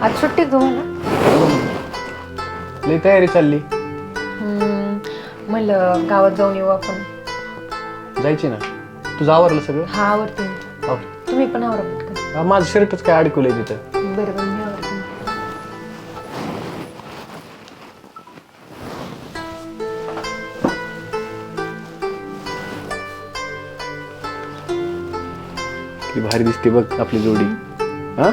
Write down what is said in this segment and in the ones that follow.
आज सुट्टी तुम्हाला? लई तयारी चालली. म्हणलं गावात जाऊन येऊ आपण. जायची ना. तुझं आवरलं सगळं? हा आवडते. तुम्ही पण आवरा पटकन. माझं शर्टच काय अडकवलंय तिथं. बरोबर मी आवडते. किती भारी दिसते बघ आपली जोडी. हा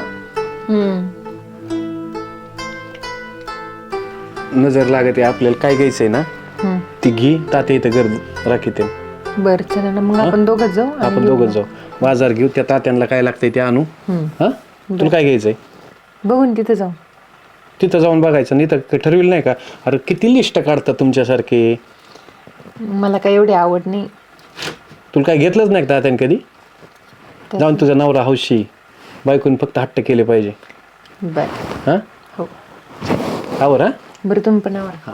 नजर लागते आपल्याला. काय घ्यायचंय ना ती घे. तात्या इथं गर्द राखीते. बर चला ना मग आपण दोघंच जाऊ. आपण दोघंच जाऊ. बाजार घेऊ. त्या तात्यांना काय लागतंय ते आणू. हा तुला काय घ्यायचंय? बघून तिथे जाऊ. तिथं जाऊन बघायचं. नाही तर ठरविलं नाही का? अरे किती लिस्ट काढतात तुमच्यासारखे. मला काय एवढी आवड नाही. तुला काय घेतलंच नाही का तात्याने कधी? जाऊन तुझा नवरा हौशी. बायकोने फक्त हट्ट केले पाहिजे. बर हा हो. आवर. हा बरं तुम्ही पण आवरा.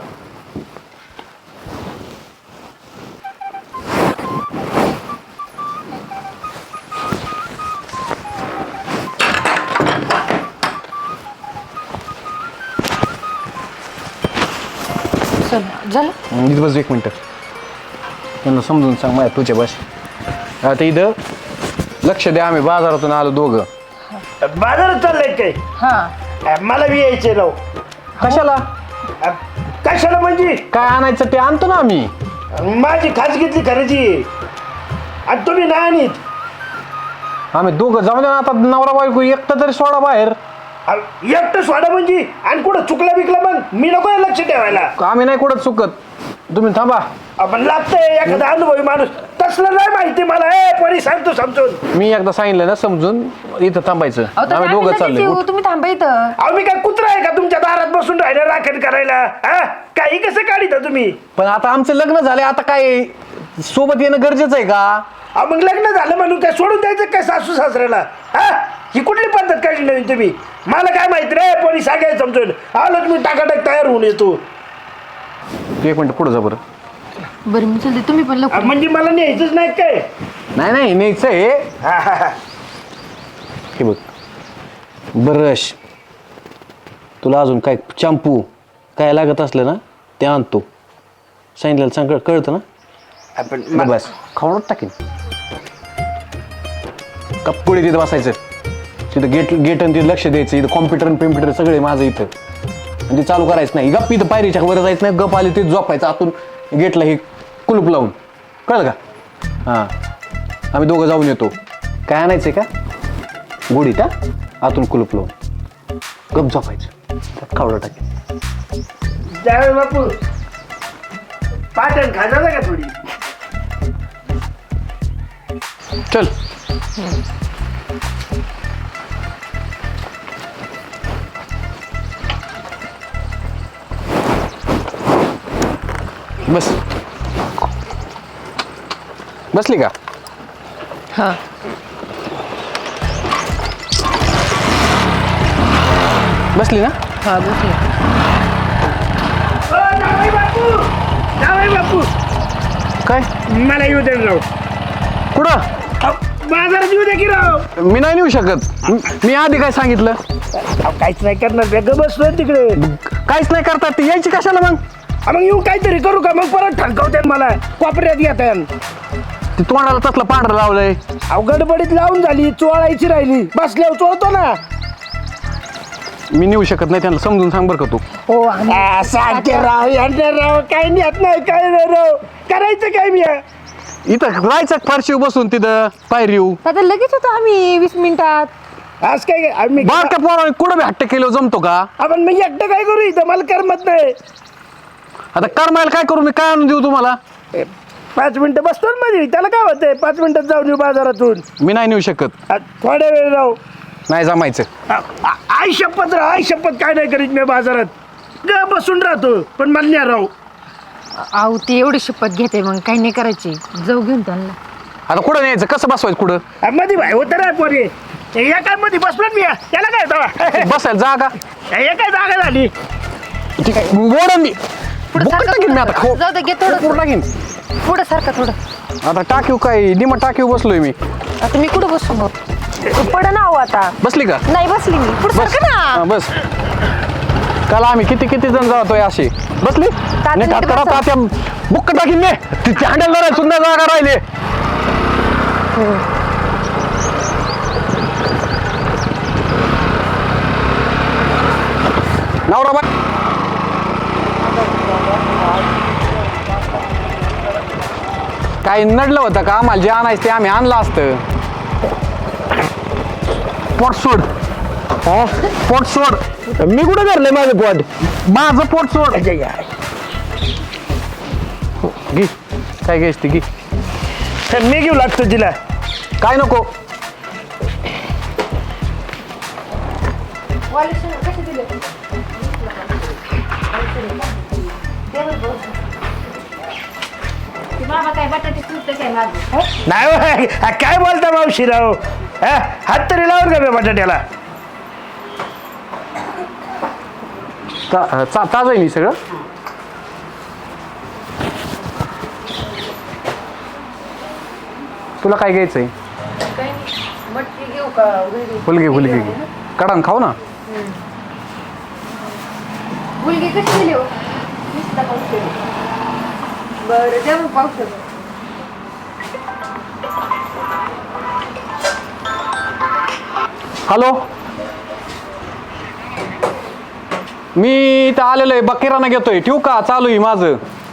चला झालं. इथं बस एक मिनटं. त्यांना समजून सांग माझ्या तुझ्या भाषेत. आता इथं लक्ष द्या. आम्ही बाजारातून आलो दोघं. बाजारात चाललंय काय? हा मला बी यायचे राव. कशाला? कशाला म्हणजे काय आणायचं ते आणतो ना आम्ही. माझी खाजगीतली खरेदी आहे. आणि तुम्ही नाही आणीत. आम्ही दोघं जाऊ द्या ना. आता नवरा बायको एकटं तरी सोडा बाहेर. एकटं सोडा म्हणजे आणि कुठं चुकला बिकला मग मी नको आहे लक्ष ठेवायला. आम्ही नाही कुठं चुकत. तुम्ही थांबा. आपण लागतंय एखादा अनुभवी माणूस. तसलं नाही माहिती मला. परी सांगतो समजून. मी एकदा सांगितलं ना समजून. इथं थांबायचं. आम्ही दोघं चाललोय. तुम्ही थांबा इथं. अहो मी काय कुत्रा आहे का तुमच्या दारात बसून राहिलं राखण करायला? हा काही कसं काढिता तुम्ही? पण आता आमचं लग्न झालंय. आता काय सोबत येणं गरजेचं आहे का? अहो मग लग्न झालं म्हणून काय सोडून द्यायचं काय सासू सासऱ्याला? हा ही कुठली पद्धत काढली नवीन तुम्ही? मला काय माहिती रे. पोरी सांगायचं समजून. आलो तुम्ही टाकाटाक तयार होऊन येतो. एक मिनिट पुढे जा बरं. बरं मी चलते. तुम्ही पण लवकर. म्हणजे मला न्यायचंच नाही काय? नाही नाही न्यायचं आहे. हे बघ ब्रश. तुला अजून काय शॅम्पू काय लागत असलं ना ते आणतो. सांगितलं सांग. कळतं ना? आपण बस खाऊन टाकीन. कपडे तिथं बसायचं. तिथं गेट आणि तिथं लक्ष द्यायचं. इथं कॉम्प्युटर सगळे माझं इथं. आणि ते चालू करायचं नाही. गप इथं पायरीच्या वर जायचं नाही. गप आले ते झोपायचं आतून गेटला हे कुलूप लावून. कळलं का? हां आम्ही दोघं जाऊन येतो. काय आणायचंय का? गोडीत. हा आतून कुलूप लावून गप झोपायचं. त्यात खावडं टाकेल. जावे बापू पाटण खाजा का थोडी? चल. बस. बसली का? हा बसली ना? हा बसले. जावे बापू जावे बापू काय? मला येऊ दे राव. कुठं? बाजारात येऊ दे की राव. मी नाही नेऊ शकत. मी आधी काय सांगितलं? काहीच नाही करणार. वेगळं बसलोय तिकडे. काहीच नाही करतात. ती यायची कशाला मग? मग येऊ काहीतरी करू का? मग परत ठणकावते मला. कोपऱ्यात येतात. ती तोंडाला तसलं पांढरं लावलंय. गडबडीत लावून झाली. चोळायची राहिली. बसल्यावर चोळतो ना. मी नेऊ शकत नाही. त्यांना समजून सांग बरं का तू. हो सांगते राव यांना राव. काही नेत नाही काय नाही राव. करायचं काय मी? इथं राहायचं फारशी बसून तिथं पायरीव. आता लगेच होतो आम्ही 20 मिनिटात. आज काय आम्ही बारक्या पोराने कुठं बी हट्ट केलं जमतो का? आपण मी एकटं काय करू इथं? मला करमत नाही. आता करमायला काय करू? मी काय आणून देऊ तुम्हाला? 5 मिनिटं बसतो ना मध्ये. त्याला काय होतंय? 5 मिनिटात जाऊन येऊ बाजारातून. मी नाही नेऊ शकत. थोड्या वेळ राहू. नाही जमायचं. आई शपथ राव. आई शपथ काय नाही करीत मी बाजारात. ग बसून राहतो पण मला नाही राहू. आहो ते एवढी शपथ घेते मग काही नाही करायची. जाऊ घेऊन त्यांना. आता कुठं न्यायचं? कसं बसवायचं कुठं? मध्ये भाई होतं ना पोरे. या काय मध्ये बसलो मी. त्याला काय होतं? बसायला जागा. हे काय जागा झाली? बोडा मी पुढे बोकड टाकीन मी आता. जाऊ दे घे थोडं. टाकीन. पुढे सारखं थोडं. आता टाकीव काय निमा टाकीव बसलोय मी. आता मी कुठं बसू मग पड ना हो आता. बसली का? नाही बसली मी पुढे बस ना. हा, बस. काल आम्ही किती जण जातोय अशी बसली. नीट हात करा तात्या बुक्क टाकीन ने तिथे हँडल सुद्धा जागा राहिले. नवरा बा काही नडलं होतं का आम्हाला जे आणायचं ते आम्ही आणलं असतं. पोट सोड पोट सोड. मी कुठं धरलंय माझं पोट? माझं पोट सोड. अच्छा, या. घे काय घ्यायच ती घे. तर मी घेऊ लागतो तिला. काय नको. नाही होय. काय बोलता मावशीराव? हात तरी लावून का मी बटाट्याला? ताज आहे मी सगळं. तुला काय घ्यायचंय? हुलगे हुलगे घे. काढा खाऊ ना. मुलगी कशी दिली हो? बरं द्या मग पावसाळ्यात. हॅलो मी इथं आलेलो आहे बकिराना घेतोय. ठेवू का? चालू आहे माझं.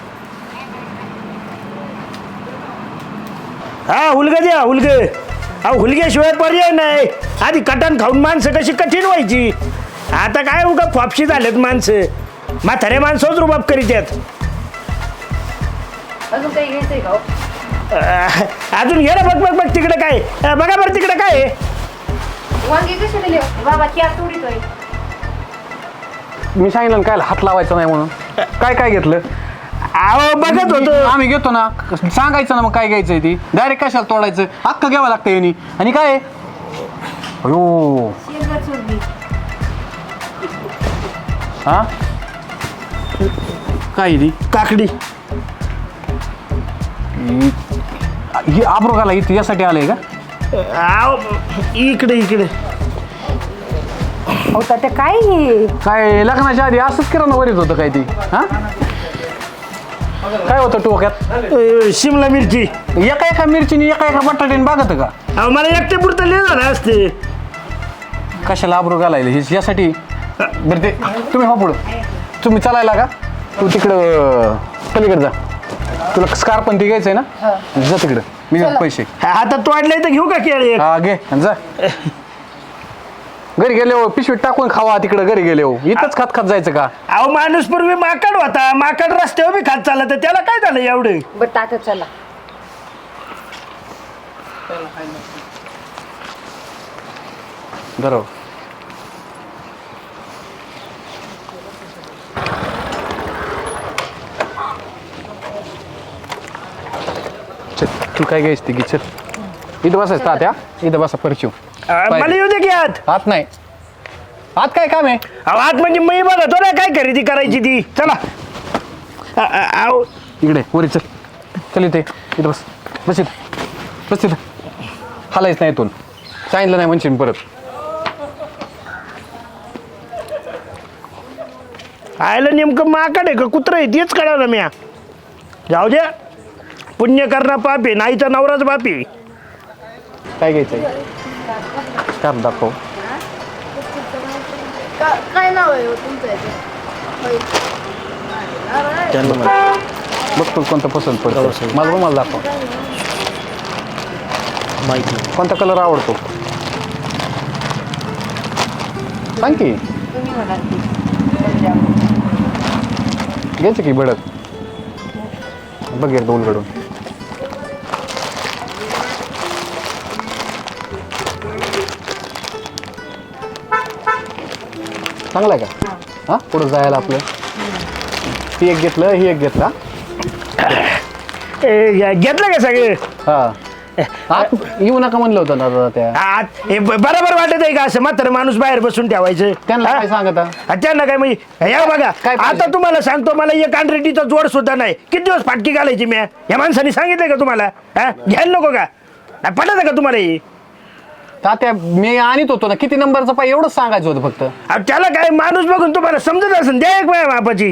हा हुलगा द्या हुलग. अहो हुलग्याशिवाय पर्याय नाही. आधी कटण खाऊन माणसं कशी कठीण व्हायची. आता काय उगा फापशी झालेत माणसं. म्हातारे माणसंच रुबाब करीत आहेत. अजून काही घ्यायचंय का हो? अजून घे ना. बघ तिकडे काय. बघा बरं तिकडे काय आहे. वांगी कशी दिली हो? बाबा क्या तोडीतोय. मी सांगितलं ना काय हात लावायचा नाही म्हणून. काय घेतलं? अहो बघत होतो. आम्ही घेतो ना. सांगायचं ना मग काय घ्यायचंय ती. डायरेक्ट कशाला तोडायचं. अख्खं घ्यावं लागतं यांनी. आणि काय अयो हा काय ती काकडी. ही आब्रोगाला इथे यासाठी आलंय का? अहो इकडे होता ते काय हे? काय लग्नाच्या आधी असंच किराणा वरीत होतं काय ती. हा काय होतं टोक्यात? शिमला मिरची. एका मिरचीने एका बटाट्याने बागत का? अहो मला एकटे पुरतं लिहिलं झालं असते. कशाला आब्रो घालायला हे यासाठी. बरं ते तुम्ही हो पुढं. तुम्ही चालायला का? तू तिकडं पलीकडे जा. तुला स्कार्फ पण ती घ्यायचंय ना? जा तिकडं. मी घेतो पैसे. हातात तोडले तर घेऊ का केळी? हा घे आणि जा. घरी गेले हो पिशवीत टाकून खावा. तिकडं घरी गेले हो इथंच खात जायचं का? अहो माणूस पूर्वी माकड होता. माकड रस्त्यावर बी खात चालला तर त्याला काय झालं एवढं? बरं टाका चला. बरोबर. चल तू काय घ्यायच ती घे. चल इथं बसायचं तात्या. इथं बसा परचिव. मला येऊ दे की आत. आत नाही. आत काय काम आहे? अहो आत म्हणजे मी बघतो ना काय खरेदी करायची ती. चला. अहो इकडे वरी चल. चल इथे इथं बस इथं. हालायच नाही इथून. सांगितलं नाही म्हणशील परत. आयला नेमकं माकड आहे का कुत्रं आहे तेच कळलं म्या. जाऊ द्या. पुण्य करणं पाप आहे. नाही तर नवराच बाप आहे. काय घ्यायचंय? स्कार्फ दाखव. काय नाव आहे हो तुमचं बघ तू कोणतं पसंत पडतं. मला रुमाल दाखव. माहिती कोणता कलर आवडतो सांग की. तुम्ही म्हणाल ती. घ्यायचं की भडक. बघ एकदा उलगडून. चांगलं आहे का? हा पुढं जायला आपलं. ती एक घेतलं ही एक घेतला. घेतलं का सगळे? हा येऊ नका म्हणलं होतं दादा त्या हे बरोबर वाटत आहे का असं म्हातारं माणूस बाहेर बसून ठेवायचं त्यांना हा? काय सांगता त्यांना काय म्हणजे या बघा काय पाहिजे? आता तुम्हाला सांगतो मला एक अनरेटीचा जोड सुद्धा नाही किती दिवस फाटकी घालायची मी या माणसाने सांगितलंय का तुम्हाला हा घ्यायला नको का पटत का तुम्हाला ही तात्या मी आणत होतो ना किती नंबरचा पाय एवढंच सांगायचं होतं फक्त अहो, त्याला काय माणूस बघून तुम्हाला समजत असेल द्या एक माझ्या बापाची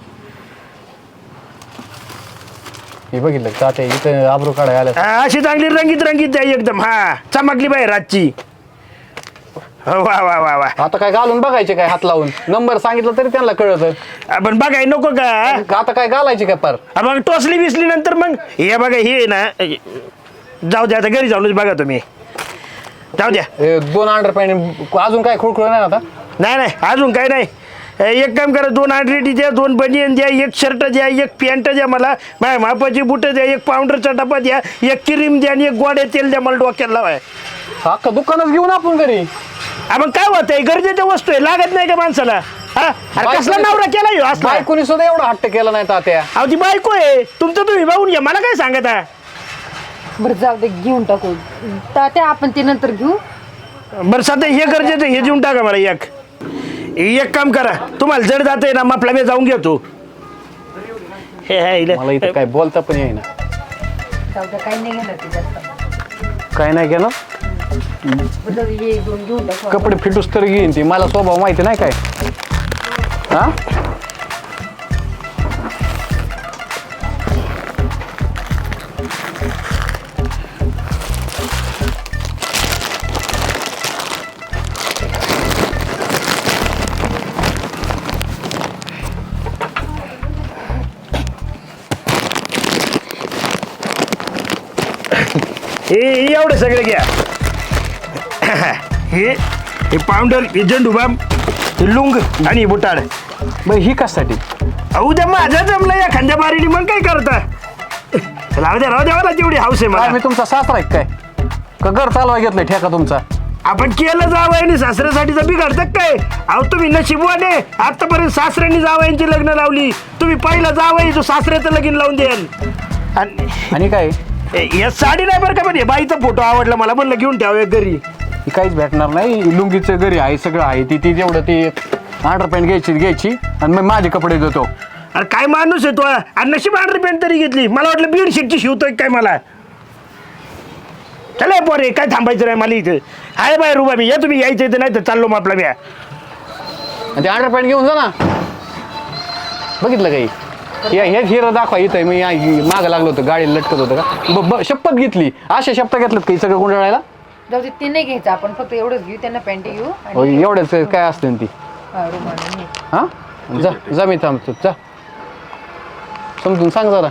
हे बघितलं तात्या इथं आबरू काढाय आलं अशी चांगली रंगीत रंगीत द्या एकदम हा चमकली बाई रातची हो, वा वा वा वा आता काय घालून बघायचे काय हात लावून नंबर सांगितलं तरी त्यांना कळत आपण बघाय नको का आता काय घालायचे काय पार मग टोचली बिसली नंतर मग हे बघा हे ना जाऊ द्या आता घरी जाऊनच बघा तुम्ही जाऊ द्या हे 2 अंडर पॅन्ट अजून काय खुळखुळ नाही आता नाही अजून काय नाही एक काम करा 2 अंडरेटी द्या 2 बनियन द्या 1 शर्ट द्या 1 पॅन्ट द्या मला माझ्या मापाची बुटं द्या 1 पावडरचा डबा द्या 1 क्रीम द्या आणि 1 गोड्या तेल द्या मला डोक्याला लावाय अख्खा दुकानच घेऊन आपण घरी मग काय होत आहे गरजेच्या वस्तू आहे लागत नाही का माणसाला हा अरे कसला नवरा केला ह्यो असला बायकोनी सुद्धा एवढा हट्ट केला नाही तात्या अहो ती बायको आहे तुमचं तुम्ही बघून घ्या मला काय सांगत आहे बरं जाऊ दे घेऊन टाकू तात्या आपण ते नंतर घेऊ बरं सध्या हे गरजेचं हे देऊन टाका मला एक काम करा तुम्हाला जड जात आहे ना मग आपला मी जाऊन घेतो हे आहे मला इथं काय बोलता पण येईना जाऊ दे काही नाही घेणार ते जास्त काय नाही केलं बरं जाऊ दे, हे 2 घेऊन टाकू कपडे फिटूस तर घेईन ती मला स्वभाव माहिती नाही काय हा हे एवढं सगळं घ्या हे पावडर हे झेंडूबाम हे लुंग आणि हे बुटाड बरं ही कशासाठी उद्या माझं जमलं या खांद्या बारीने मग काय करता राहू द्या मला तेवढी हाऊस आहे काय मला मी तुमचा सासरा आहे काय का घर चालवा घेतलंय ठेका तुमचा आपण केलं जावं आणि सासऱ्यासाठी जर बिघडतं काय अहो तुम्ही नशिबवाने आतापर्यंत सासऱ्यांनी जावयांची लग्न लावली तुम्ही पहिला जावई जो सासऱ्याचं लगीन लावून द्याल आणि काय या साडी नाही बरं का पण बाईचा फोटो आवडला मला म्हणलं घेऊन ठेवा घरी ही काहीच भेटणार नाही लुंगीचं घरी आहे सगळं आहे ती जेवढं ती अंडर पॅन्ट घ्यायची आणि मग माझे कपडे देतो अरे काय माणूस आहे तो आणि नशीब अंडर पॅन्ट तरी घेतली मला वाटलं बेडशीटची शिवतोय काय मला चला पोरे काय थांबायचं नाही मला इथं आहे बाय रुबा मी या तुम्ही यायचं इथं नाही तर चाललो मग आपला मी आणि ते अंडर पॅन्ट घेऊन जा ना बघितलं काही हे हिरं दाखवा इथं मी मागं लागलो होतं गाडीला लटकत होतं का शपथ घेतली अशा शपथ घेतल्यात काही सगळं गुंडाळायला जाऊ दे ते नाही घ्यायचं आपण फक्त एवढंच घेऊ त्यांना पॅन्ट घेऊ आणि एवढंच काय असते ती रुमाल आणि हा जा मी थांबतो जा समजून सांग जरा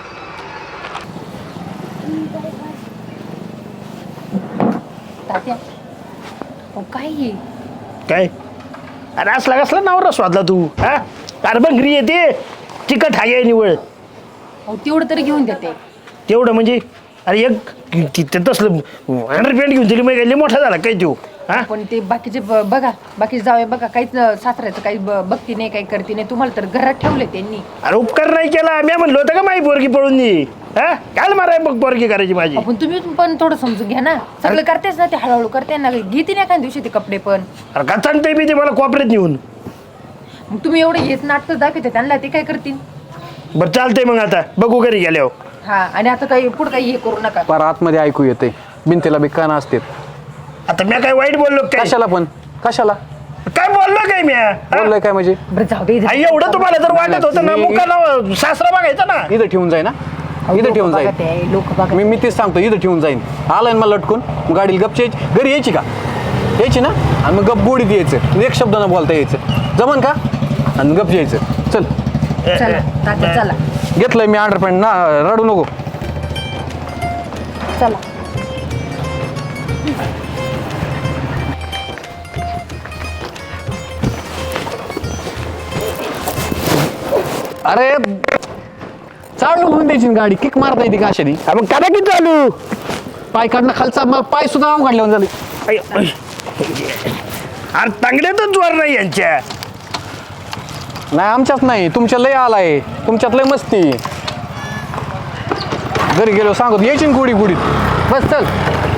तात्या अहो, काय हे काय अरे असला कसला नवरा स्वादला तू हा अरे बंगरी येते चिकट हाय निवळ अहो तेवढं तरी घेऊन देते तेवढं म्हणजे अरे एक तिथे तसलं अंडर पॅन्ट घेऊन दिली मग मोठा झाला काय तू हा पण ते बाकीचे बघा बाकीचे जावे बघा काहीच सासऱ्याचं काही बघती नाही काही करते नाही तुम्हाला तर घरात ठेवले त्यांनी अरे उपकार नाही केला मी म्हणलो होतं का माई पोरगी पळून दे हा काय माराय बघ पोरगी करायची माझी आपण तुम्ही पण थोडं समजून घ्या ना सगळं करतेच ना ते हळूहळू करते ना घेते नाही एखाद्या दिवशी ते कपडे पण अरे का सांगते मी ते मला कॉपरेट नेऊन मग तुम्ही एवढे येत नाटक दाखवते त्यांना ते काय करतील बरं चालतंय मग आता बघू घरी गेल्यावर हा आणि आता काही पुढं काही हे करू नका पर आतमध्ये ऐकू येते भिंतीला बी कान असते आता मी काय वाईट बोललो काय कशाला काय बोललो काय मी बोललोय काय म्हणजे बरं जाऊ दे इथं. एवढं तुम्हाला जर वाटत होतं ना मुखाला सासरा बघायचा ना इथं ठेवून जाई ना इथं ठेवून बघा जाईल ते, लोक बघा मी तेच सांगतो इथं ठेवून जाईन आलाय ना मला लटकून मग गाडीला गपची यायची घरी यायची का यायची ना आणि मग गप गोडीत यायचं एक शब्द न बोलता यायचं जमन का आणि गप यायचं चल चला तात्या चला घेतलंय मी अंडर पॅन्ट ना रडू नको चला अरे चालू होऊन द्यायची ना गाडी किक मारता येते का अशाने मग करा की चालू पाय काढणं खालचा मग पाय सुद्धा नाव काढल्यावर झाले अरे तांगड्यातच जोर नाही यांच्या नाही आमच्यात नाही तुमच्या लय आलाय तुमच्यात लय मस्ती घरी गेलो सांगतो यायची ना गुडीत बस चल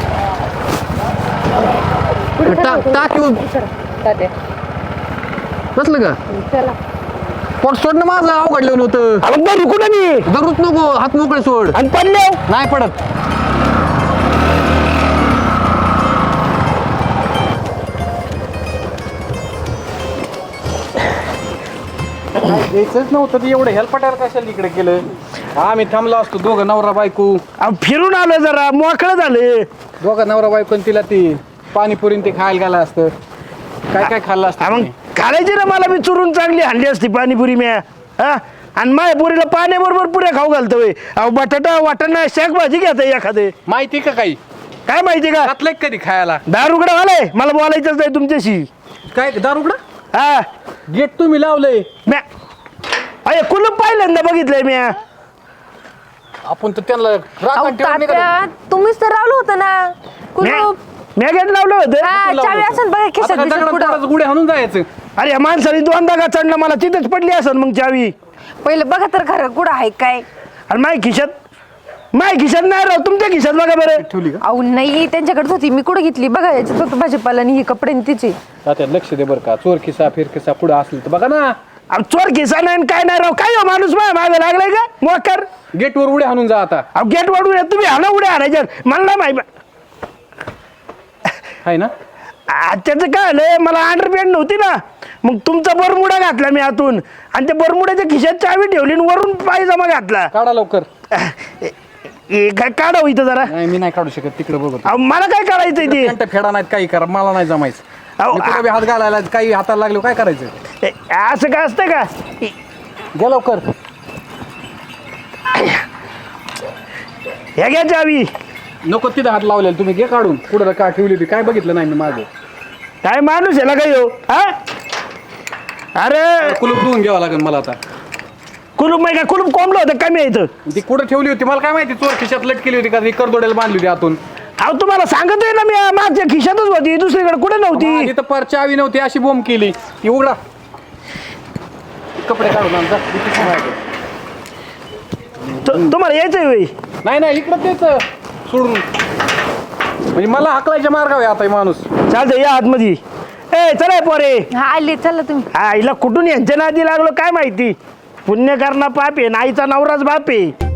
टाक येऊन तात्या बसलं का चला पोट सोडणं माझं अवघडलं नव्हतं अहो रुकू ना मी दगडूच नको हात मोकळे सोड आणि पडले नाही पडत द्यायचंच नव्हतं ते एवढं हेल्पटायला कशाला इकडे केलं आम्ही थांबलो असतो दोघं नवरा बायको अहो फिरून आलो जरा मोकळं झालं दोघं नवरा बायको आणि तिला ती पाणीपुरी ते खायला गेला असतं काय काय खाल्लं हा, असतं मग तुम्ही? खायची ना मला बी चुरून चांगली हांडी असती पाणीपुरी म्या हा आणि माझ्या पुरीला पाण्याबरोबर पुऱ्या खाऊ घालतो होय. अहो बटाटा वाटाणा शाक भाजी घेता एखादे माहिती का काही काय माहिती का घातलंय का कधी खायला दारुगडा वालाय मला बोलायचंच नाही तुमच्याशी काय दारुगडा हा गेट तुम्ही लावलंय म्या अरे कुलूप पहिल्यांदा बघितलंय म्या आपण तर त्यांना अहो, राखण ठेवून नाही का तात्या तुम्हीच तर लावलं होतं ना कुलूप म्या गेट लावलं होतं हा, लावलं चावी होतं. असेल बघा आता खिशात काय बिशात दगडात पुढं. दगडात गुढे हाणून जायचं अरे या माणसाने दोनदा का चढला मला तिथेच पडली असेल मग चावी पहिलं बघा तर खरं कुठं आहे काय आणि माय खिशात नाही राव तुमच्या खिशात बघा बरं ठेवली का अहो नाही त्यांच्याकडे होती मी कुठं घेतली बघा याच्यात होतं भाजीपाला आणि ही कपडे आणि तिचे आता लक्ष दे बरं का चोर खिसा फिर खिसा पुढे असलं तर बघा ना अहो चोर खिसा नाही आणि काय नाही राव काय हो माणूस माझ्या मागे लागलाय का मोकर गेटवर उड्या हाणून जा आता अहो गेट वाढून या तुम्ही हाना उड्या हाणायच्यात मला नाही माहिती आहे ना त्याचं काय आलं मला अंडरपॅन्ट नव्हती ना मग तुमचा बरमुडा घातला मी आतून आणि त्या बरमुड्याच्या खिशात चावी ठेवली आणि वरून पायजमा घातला काढा लवकर काय काढावं इथं जरा नाही मी नाही काढू शकत तिकडे बघत अहो मला काय काढायचंय ते पॅन्ट फेडा नाहीत काही करा मला नाही जमायचं अहो, मी कुठं बी हात घालायला काही हाताला लागलो काय करायचं असं काय असतं का घ्या लवकर ह्या घ्या चावी नको तिथं हात लावलेला तुम्ही घे काढून कुठं का ठेवली होती काय बघितलं नाही मी माझं काय माणूस याला काय हो हा अरे कुलूप धुवून घ्यावं लागेल मला आता कुलूप माहिती का कुलूप कोंबलं होतं कमी इथं ती कुठं ठेवली होती मला काय माहिती चोर खिशात लटकेली होती का ती करदोड्याला बांधली होती आतून अहो तुम्हाला सांगतोय ना मी मागच्या खिशातच होती दुसरीकडे कुठे नव्हती तिथं पर चावी नव्हती अशी बोंब केली ती उघडा कपडे काढून आण जा. इथे सांभाळतो. तुम्हाला यायचंय होय नाही नाही इकडं तेच सोडून म्हणजे मला हाकलायच्या मार्गावर आहे आता हे माणूस चालतंय या आतमध्ये ए चला पोरे हा आले चला तुम्ही आईला कुठून यांच्या नादी लागलो काय माहिती पुण्य करणं पाप आहे नाईचा नवराच बाप आहे